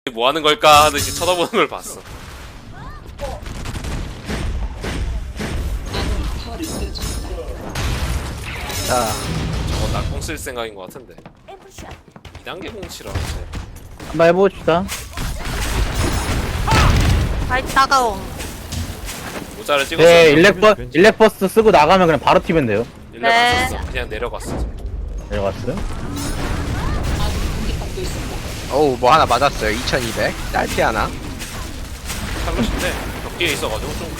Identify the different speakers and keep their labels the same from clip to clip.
Speaker 1: 뭐 하는 걸까 하듯이 쳐다보는 걸 봤어.
Speaker 2: 자,
Speaker 1: 저거 낙공 쓸 생각인 것 같은데. 2단계 공치라.
Speaker 2: 한번 해봅시다.
Speaker 3: 아이 따가워.
Speaker 1: 모자를 찍었어.
Speaker 2: 네, 일렉버스 쓰고 나가면 그냥 바로 튀면 돼요.
Speaker 1: 일렉 안 썼어. 그냥 내려갔어.
Speaker 2: 내려갔어요?
Speaker 4: 어우 뭐 하나 맞았어요. 2200 딸피 하나.
Speaker 1: 탈롯인데 벽 뒤에 있어가지고 좀.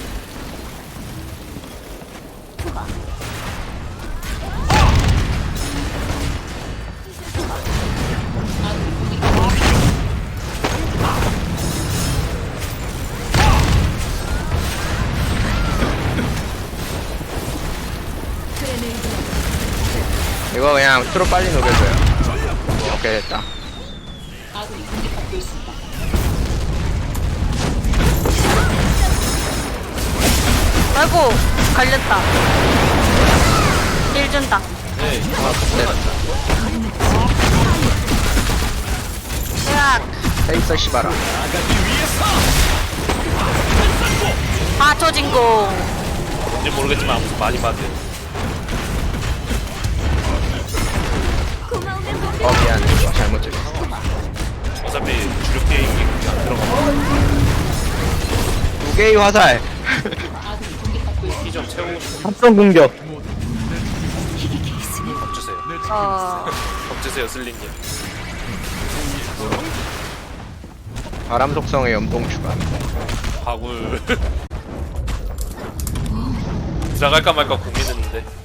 Speaker 4: 이거 그냥 트로 빨리 녹여줘요. 오케이 됐다.
Speaker 3: 아이고 갈렸다. 일 준다.
Speaker 1: 네.
Speaker 3: 으악.
Speaker 4: 페이서 시바라.
Speaker 3: 아 조진공.
Speaker 1: 뭔지 모르겠지만 아무튼 많이 받은.
Speaker 4: 미안. 잘못 찍었어.
Speaker 1: 어차피 주력 게임이 그렇게 안 들어가.
Speaker 4: 두 개의 화살.
Speaker 1: 이 좀 채우고 싶어.
Speaker 2: 합성 공격.
Speaker 1: 밥 주세요. 밥 주세요, 슬링님.
Speaker 4: 바람 속성의 연봉 추가.
Speaker 1: 바굴. 들어갈까 말까 고민했는데.